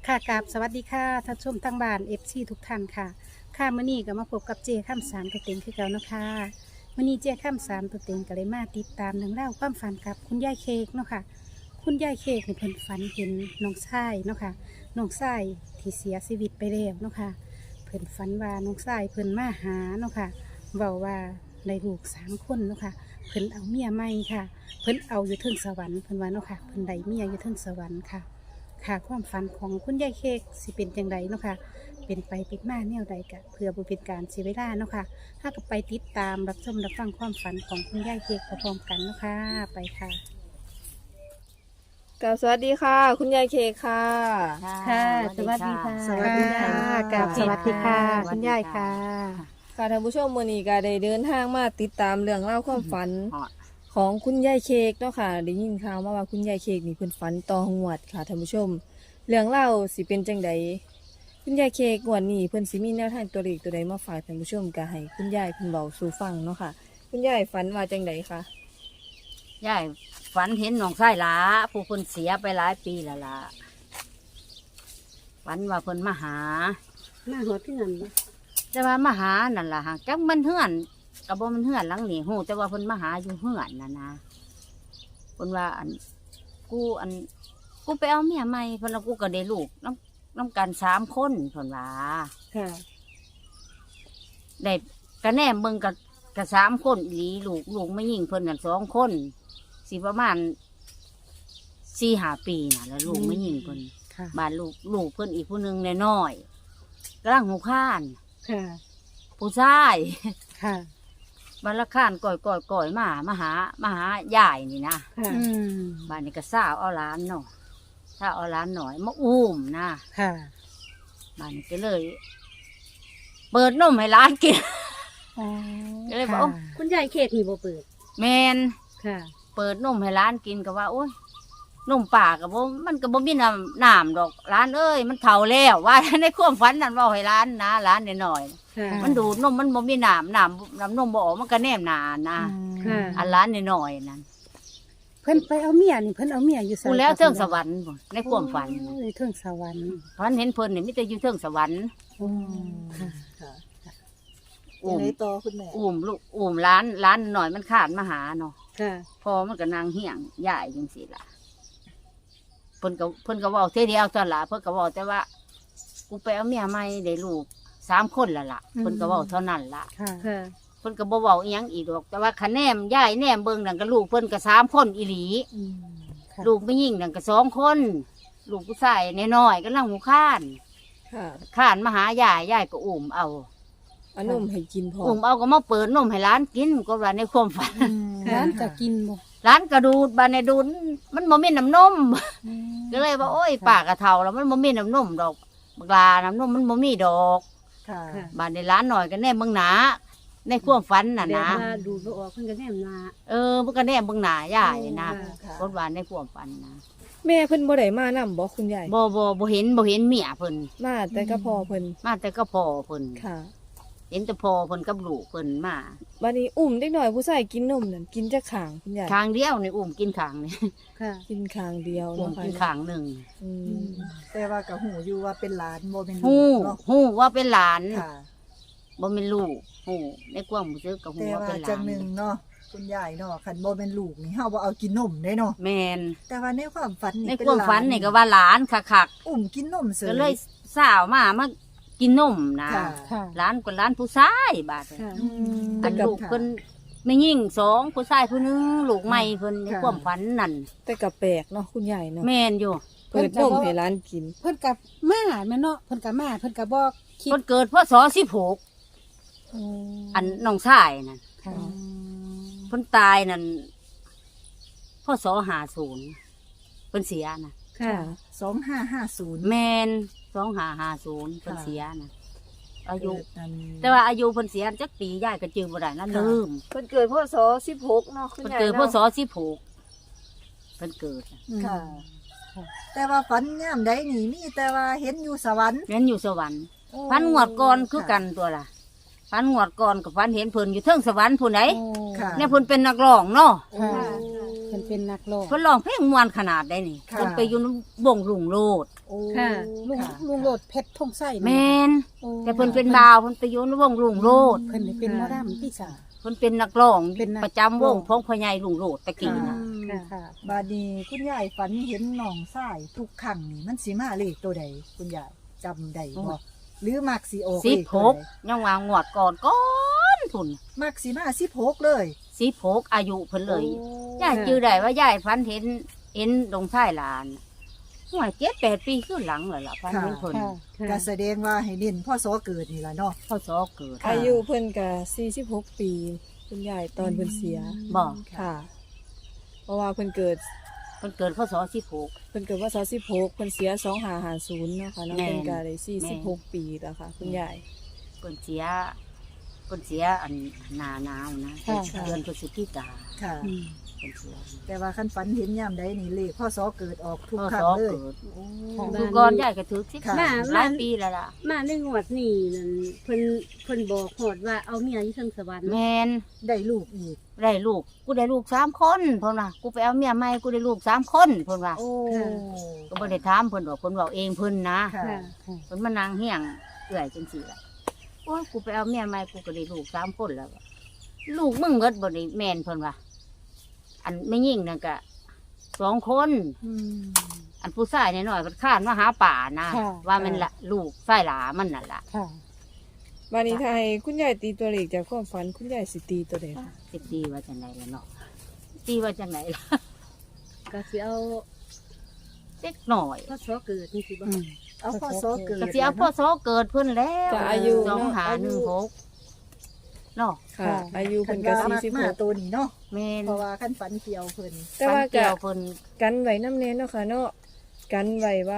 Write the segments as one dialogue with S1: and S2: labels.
S1: ค่ะกราบสวัสดีค่ะท่านชมทั้งบ้านทุกท่านค่ะค่ะมื้อนี้ก็มาพบกับเจข้ามสามตัวเต็งคือเก่าเนาะค่ะมื้อนี้เจข้ามสามตัวเต็งก็เลยมาติดตามเรื่องเล่าวความฝันกับคุณยายเค้กเนาะค่ะคุณยายเค้กนี่เพิ่นฝันเห็นน้องชายเนาะค่ะน้องชายที่เสียชีวิตไปแล้วเนาะค่ะเพิ่นฝันว่าน้องชายเพิ่นมาหาเนาะค่ะเว้าว่าได้ลูก3 คนเนาะค่ะเพิ่นเอาเมียใหม่ค่ะเพิ่นเอาอยู่เทิงสวรรค์เพิ่นว่าเนาะค่ะเพิ่นได้เมียอยู่เทิงสวรรค์ค่ะ ค่ะความฝันของคุณยายเค้กสิเป็นจังไดเนาะค่ะเป็นไปปิดมาแนวใดกะเพื่อบุเป็นการเสียเวลาเนาะค่ะถ้าก็ไปติดตามรับชมรับฟังความฝันของคุณยายเค้กพร้อมๆกันเนาะค่ะไปค่ะ
S2: กับสวัสดีค่ะ คุณยายเคกค่ะ
S1: ค่ะสวัสดีค่ะ
S3: สวัสดีค่ะ
S1: กับสวัสดีค่ะคุณยายค่ะ
S2: ค่ะท่านผู้ชมมื้อนี้ก็ได้เดินทางมาติดตามเรื่องเล่าวความฝันของคุณยายเคกเนาะค่ะได้ยินข่าวมาว่าคุณยายเคกนี่เพิ่นฝันต่องวดค่ะท่านผู้ชม เรื่องเล่าวสิเป็นจังใดคุณยายเคกงวดนี้เพิ่นสิมีแนวทางตัวเลขตัวใดมาฝากท่านผู้ชมก็ให้คุณยายเพิ่นเบาสู่ฟังเนาะค่ะ คุณยายฝันว่าจังใดคะ
S3: ยายฝันเห็นน้องชายหลาผู้คนเสียไปหลายปีแล้วล่ะฝันว่าเพิ่นมาหา
S1: มาหัวที่นั่น
S3: แต่ว่ามาหานั่นล่ะฮะจักมันเฮือนกับบ่มันเฮือนหลังนี่ฮู้แต่ว่าเพิ่นมาหาอยู่เฮือนน่ะนะเพิ่นว่ากูไปเอาเมียใหม่เพิ่นแล้วกูก็ได้ลูกน้ำกัน3 คนเพิ่นว่า
S1: ค่ะ
S3: ได้กระแนมเบิ่งกับ3 คนอีหลีลูกไม่ยิ่งเพิ่นกัน2 คนสิประมาณ4-5 ปีน่ะแล้วลูกไม่ยิ่งเพิ่น
S1: ค่ะ
S3: บ้านลูกเพิ่นอีกผู้หนึงน้อยๆกำลังหูข้าน
S1: ค่ะ
S3: ผู้ชาย
S1: ค่ะ
S3: บ้านละข้านก่อยมาหายายนี่นะ
S1: ค่ะ
S3: บ้านนี้ก็ซ่าวเอาหลานเนาะซ่าวเอาหลานหน่อยมาอุ้มนะ
S1: ค่ะ
S3: บ้านนี้ก็เลย เปิดนมให้หลานกิน ก็เลยบอก
S1: ค่ะคุณยายเค้กนี่บ่เปิด
S3: แมน
S1: ค่ะ
S3: เปิดนมให้หลานกินก็ว่าโอ้ยนมป่ากับมันก็บ่มีน้ำดอกหลานเอ้ยมันเฒ่าแล้วว่า ในความฝันนั่นเว่าให้หลานนะหลานน้อย
S1: ค่ะ
S3: ๆมันดูดนมมันบ่มีน้ำนมบ่ออกมันก็แนมหนานะ
S1: ค่ะ
S3: อันหลานน้อยๆนั่น
S1: เพิ่นไปเอาเมียนี่เพิ่นเอาเมียอยู่ไส
S3: กูแล้วเทิงสวรรค์บ่ในความฝัน
S1: โอ้ยเทิงสวรรค์
S3: ฝันเห็นเพิ่นนี่มีแต่อยู่เทิงสวรรค์
S1: ค่ะ
S2: ค่ะ
S3: อุ้ม
S2: ในต่อคุณแม่
S3: อุ้มหลานหน่อยมันขาดมาหาเนาะ
S1: ค่ะ
S3: พอมันก็นางเหี่ยงยายจังซี่ล่ะเพิ่นก็เว้าเท่เดียวตอนล่ะเพิ่นก็เว้าแต่ว่ากูไปเอาเมียใหม่ได้ลูก3 คนแล้วล่ะเพิ่นก็เว้าเท่านั้นล่ะ
S1: ค่ะ ค่ะ
S3: เพิ่นก็บ่เว้าอีหยังอีกดอกแต่ว่าคะแนนยายแนมเบิ่งนั่นก็ลูกเพิ่นก็3 คนอีหลี
S1: ค่ะ
S3: ลูกไม่ยิ่งนั่นก็2 คนลูกผู้ชายน้อยๆกำลังหูข้าน
S2: ค่ะ
S3: ข้านมาหายายก็อุ้มเอา
S2: เอานมให้กินพอ
S3: อุ้มเอาก็มาเปิดนมให้หลานกินก็ว่าในความฝัน
S1: ร้านก็กินบ่
S3: หลานก็ดูดบานในดูดมันบ่มีน้ำนมก็เลยว่าโอ้ยปากกระเทาแล้วมันบ่มีน้ำนมดอกบักลาน้ำนมมันบ่มีดอก
S2: ค่ะ
S3: บานในร้านหน่อยก็แน่เบิ่งหนาในความฝันน่ะ
S1: แบบ
S3: นะ
S1: ว่าดูดบ่ออกเพิ่นก็แนมหน้า
S3: มันก็แน่เบิ่งหนายายนะ
S2: ค่ะ
S3: รถวานในความฝันนะ
S2: แม่เพิ่นบ่ได้มานำบ่คุณยาย
S3: บ่เห็นเมียเพิ่น
S2: มาแต่ก็พอเพิ่น
S3: มาแต่ก็พอเพิ่น
S2: ค่ะ
S3: เห็นแต่พอเพิ่นกับลูกเพิ่นมา
S2: บัดนี้อุ้มเด็กน้อยผู้ชายกินนมนั่นกินจักข้างคุณยาย
S3: ทางเดียวนี่อุ้มกินขางนี่
S1: ค่ะ
S2: กินข้างเดียว
S3: อุ้ม
S2: เนาะค่ะ
S3: กินขางหนึ่ง
S2: อืม
S4: แต่ว่ากับหูอยู่ว่าเป็นหลานโมเป็น
S3: ฮู้
S4: ลูกเนาะ
S3: ฮู้ว่าเป็นหลาน
S4: ค่ะ
S3: บ่เป็นลูกฮู้ในความรู้สึกก็ฮู้
S4: แต่
S3: ว่า
S4: ว่า
S3: เป็นหลา
S4: จัง
S3: น
S4: หนึ่งเนาะคุณยายเนาะคันโมเป็นลูกนี่เฮาบ่เอากินนมได้เนาะ
S3: แม่น
S4: แต่ว่าในความฝันนี่
S3: ใน
S4: เป็น
S3: ความ
S4: หลาน
S3: ฝันนี่ก็ว่าหลานคัก
S4: อุ้มกินนมเส
S3: ๆก็เลยสาวมากินนมนะ
S4: ค่ะ
S1: ค่ะ
S3: หลานก็หลานผู้ชายบาดนี้
S1: ค่ะ
S4: อืม
S3: อันลูกเพิ่นไม่ยิ่ง2ผู้ชายผู้หนึงลูกใหม่เพิ่นใน
S4: ค่ะ
S3: ความฝันนั่น
S2: แต่ก็แปลกเนาะคุณยายเนาะ
S3: แม่นอยู่
S2: เปิดนมให้ร้านกิน
S1: เพิ่นกับมาแม่เนาะเพิ่นกับมาเพิ่นกับบอกคิด
S3: เพิ่นเกิดพศ16อันน้องชายนั่น
S1: ค่ะ
S3: เพิ่นตายนั่นพศ50เพิ่นเสียน่ะ
S1: ค่ะ
S4: 2550
S3: แม่น2550เพิ่นเสียน่ะอายุ
S4: เกิดนั่น
S3: แต่ว่าอายุเพิ่นเสียจักปียายก็จื้อบ่ได้นะลืม
S2: เพิ่นเกิดพศ16เนาะคุณ
S3: เพิ่น
S2: ยาย
S3: เกิดพ
S2: เนาะ
S3: ศ16เพิ่นเกิดน่ะ
S4: ค่ะ แต่ว่าฝันยามใดนี่มีแต่ว่าเห็นอยู่สวรรค์
S3: เรียนอยู่สวรรค์
S4: โอ้
S3: พันงวดก่อนคือกันตัวล่ะพันงวดก่อนกับพันเห็นเพิ่นอยู่เทิงสวรรค์ผู้ใด
S4: ค่ะ
S3: เนี่ยเพิ่นเป็นนักร้องเนาะ
S1: ค่ะเพิ่นเป็นนักร้อง
S3: เพิ่นร้องเพลงม่วนขนาดได้นี่
S4: ค่ะ
S3: เพิ่นไปอยู่ในวงรุ่งโลด
S4: โอ้
S1: ค่ะลุง
S4: ค่ะ
S1: ลุงโลดเพชรทงไส้
S3: แม่น
S1: โอ้
S3: แต่เพิ่นเป็นบ่าวเพิ่นไปอยู่ในวงลุงโลด
S1: เพิ่นได้เป็นหมอดำพี่สาว
S3: เพิ่นเป็นนักร้อง
S1: เป็นนัก
S3: ประจำวงพ้องพ่อใหญ่ลุงโลดตะกี้นะ
S1: ค่ะ
S4: บาดนีคุณยายฝันเห็นน้องชายทุกครั้งนี่มันสิมาเลขตัวใดคุณยายจำได้บ่หรือมักสิออกเลขตัวใด
S3: 16ยังว่างวดก่อนทุน
S4: มักสิมา16เลย
S3: 16อายุเพิ่นเลย
S4: โอ้
S3: ยายจื้อได้ว่ายายฝันเห็นดงชายหลานห่วย7-8 ปีขึ้นหลังแล้วล่ะฝันเห็นเพิ่น
S1: ค่ะ
S4: ก็แสดงว่าให้เน้นพ่อสอเกิดนี่ล่ะเนาะ
S3: พ่อสอเกิด
S2: อายุเพิ่นก็46 ปี คุณยายตอนเพิ่นเสีย
S3: บอก
S2: ค่ะ เพราะว่าเพิ่นเกิด
S3: เพิ่นเกิดพ่อสอ16
S2: เพิ่นเกิดว่า16เพิ่นเสีย2550เนาะค่ะเนาะ
S3: แม่น
S2: เพิ่นก็ได้
S3: แม่น
S2: 46 ปีแล้วค่ะ คุณยาย
S3: เพิ่นเสียอันหนาหนาวนะ
S1: ค่ะ
S3: เดือนพฤศจิกา
S4: ค่ะ
S1: อืม
S3: เพิ่นเสีย
S4: แต่ว่าคันฝันเห็นยามใดนี่เลขพ่อสอเกิดออกทุก
S3: พ่อ
S4: ครั้
S3: ส
S4: ง
S3: อ
S4: เลย
S3: เกิด
S4: โอ้
S3: ดูก่อนยายก็ถือสิ
S4: ค่ะ
S3: หลายปีแล้วล่ะ
S5: มาในงวดนี้นั่นเพิ่นบอกโหดว่าเอาเมียอยู่เทิงสวรรค์
S3: แมน
S4: ได้ลูกอีก
S3: ได้ลูกกูได้ลูก3 คนเพิ่นว่ากูไปเอาเมียใหม่กูได้ลูก3 คนเพิ่นว่า
S4: โอ้
S3: ก็บ่ได้ถามเพิ่นว่าเพิ่นเว้าเองเพิ่นนะ
S4: ค่ะ
S5: ค่ะ
S3: เพิ่นมานั่งเฮียงเอื้อยจังซี่ล่ะโอ้ยกูไปเอาเมียใหม่กูก็ได้ลูก3 คนแล้วลูกมึงเบิดบ่ได้แม่นเพิ่นว่าอันไม่ยิ่งนั่นก็2 คน
S1: อืม
S3: อันผู้ชายน้อยๆมันข้านมาหาป่านะ
S1: ค่ะ
S3: ว่ามันละลูกไส้หลามันนั่นล่ะ
S1: ค่ะ
S2: วันนี้ถ้าให้คุณยายตีตัวเลขจากความฝันคุณยายสิตีตัวใดคะ
S3: สิตีว่าจังไหนล่ะเนาะตีว่าจังไหนล่ะ
S5: ก็สิเอา
S3: เด็กหน่อย
S5: พศเกิดนี่สิบ่
S1: อืม
S4: เอาพ่อสอเกิด
S3: ก็สิเอาพ่อโซเกิดเพิ่นแล้ว
S2: ก็อายุ
S3: สอง
S2: เนาะ
S3: หาหนึ่งหกเนาะ
S2: ค่ะ อายุ
S4: คั
S2: เพิ่
S4: น
S2: นก็
S4: ว่ามักมา
S2: 46
S4: ตัวนี้เนาะ
S3: แมน
S4: เพราะว่าคันฝันเกี่ยวเพิ่น
S2: แต่ว่า
S3: ฟันเกี่
S2: ก็
S3: ยวเพิ่น
S2: กันไว้น้ำเน้นเนาะค่ะเนาะกันไว้ว่า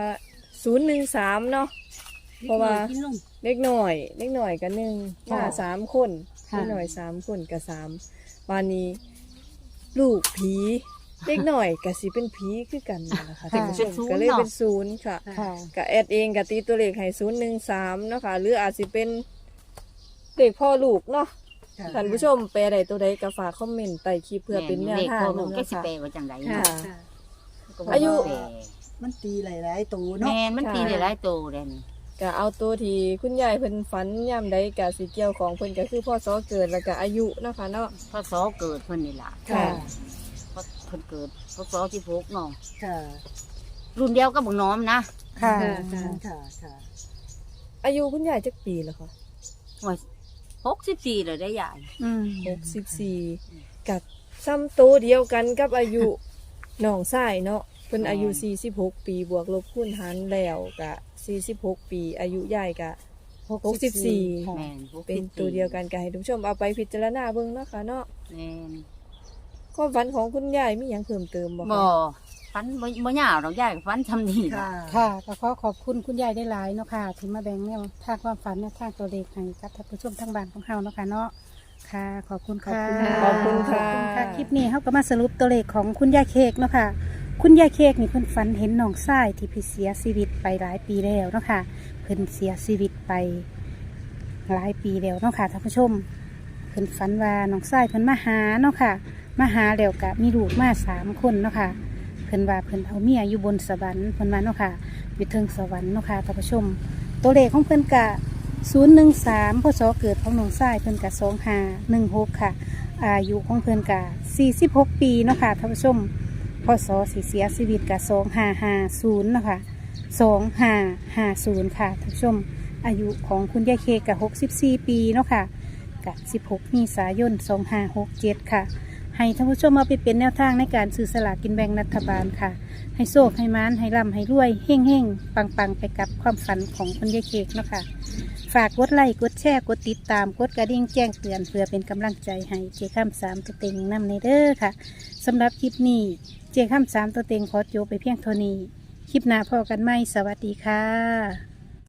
S2: 013เนาะ เพราะว่า
S5: กินนม
S2: เล็กหน่อยกันหนึ่งมา3 คน
S1: ค่ะ
S2: เล็กหน่อย3 คนกับ3วันนี้ ลูกผีเล็กหน่อยก็สิเป็นผีคือกันนั่นแหละค่ะท่านผู้ชมก็เลยเป็น0ค่ะ
S1: ค่ะ
S2: ก็แอดเองก็ตีตัวเลขให้013เนาะค่ะหรืออาจสิเป็นเลขพ่อลูกเนาะ
S4: ค่ะ
S2: ท่านผู้ชมแปลใดตัวใดก็ฝากคอมเมนต์ใต้คลิปเพื่อเป็นแนว
S3: เด็ก
S2: ทาง
S3: พ่อลูก
S2: นำ
S3: ก็
S2: เนาะ
S3: สิ
S2: ค่ะ
S3: แปลว่าจังไหน
S2: ค่ะ
S3: เนาะ
S5: ค่ะ
S3: ก็บ่
S2: อายุ
S3: แปล
S4: มันตีหลายๆตัว
S3: แม
S4: เนาะ
S3: นมันตีได้หลายโตเลยนี่
S2: ก็เอาตัวที่คุณยายเพิ่นฝันย่ำใดก็สิเกี่ยวของเพิ่นก็คือพ่อสอเกิดแล้วก็อายุเนาะค่ะเนาะ
S3: พ่อโซเกิดเพิ่นนี่ล่ะ
S2: ค่ะ
S3: เพราะเพิ่นเกิดพ่อโซ16เนาะ
S4: ค่ะ
S3: รุ่นเดียวกับบักน้อมนะ
S1: ค่ะ
S5: ค่ะ
S4: ค่ะค่ะ
S2: อายุคุณยายจักปีแล้วค่ะ
S3: ว่า64เลยได้ใหญ่
S1: อืม
S2: 64กับซ้ำตัวเดียวกันกับอายุ น้องชายเนาะเพิ่นอายุ46 ปีบวกลบคูณหารแล้วก็46 ปีอายุยายก็ 64
S1: ค่ะ
S3: แม่น
S2: เป็นตัวเดียวกันก็ให้ทุกผู้ชมเอาไปพิจารณาเบิ่งเนาะค่ะเนาะ
S3: แม่น
S2: ความฝันของคุณยายมีหยังเพิ่มเติมบ่
S3: บ่
S2: คะ
S3: ฟันบ่ยาวดอกยายก็ฟันทำนี่
S4: ค่ะ
S3: ล่ะ
S1: ค่ะก็ขอขอบคุณคุณยายได้หลายเนาะค่ะที่มาแบ่งแนวทางความฝันแนวทางตัวเลขให้กับท่านผู้ชมทางบ้านของเฮาเนาะค่ะเนาะค่ะ ขอบคุณค่ะ
S2: ขอบคุณค่ะ
S1: คลิปนี้เฮาก็มาสรุปตัวเลขของคุณยายเค้กเนาะค่ะ คุณยายเค้กนี่เพิ่นฝันเห็นน้องชายที่เพิ่นเสียชีวิตไปหลายปีแล้วเนาะค่ะเพิ่นเสียชีวิตไปหลายปีแล้วเนาะค่ะท่านผู้ชมเพิ่นฝันว่าน้องชายเพิ่นมาหาเนาะค่ะมาหาแล้วก็มีลูกมา3 คนเนาะค่ะ เพิ่นว่าเพิ่นเอาเมียอยู่บนสวรรค์เพิ่นว่าเนาะค่ะอยู่เทิงสวรรค์เนาะค่ะท่านผู้ชม ตัวเลขของเพิ่นกะ013พศเกิดของน้องชายเพิ่นกะ2516ค่ะ อายุของเพิ่นกะ46 ปีเนาะค่ะท่านผู้ชมพศสิเสียชีวิตกะ2550เนาะค่ะ2550ค่ะท่านผู้ชม อายุของคุณยายเคกะ64 ปีเนาะค่ะกะ16 เมษายน2567ค่ะ ให้ท่านผู้ชมเอาไปเป็นแนวทางในการซื้อสลากกินแบ่งรัฐบาลค่ะ ให้โชคให้มานให้ร่ำให้รวยเฮ่งเฮ่งปังปังๆ ไปกับความฝันของคุณยายเค้กเนาะค่ะ ฝากกดไลค์กดแชร์กดติดตามกดกระดิ่งแจ้งเตือนเพื่อเป็นกำลังใจให้เจ้าข้าม3 ตัวเต็งนำในเด้อค่ะสำหรับคลิปนี้เจ้าข้าม3 ตัวเต็งขอจบไปเพียงเท่านี้ คลิปหน้าพอกันไหมสวัสดีค่ะ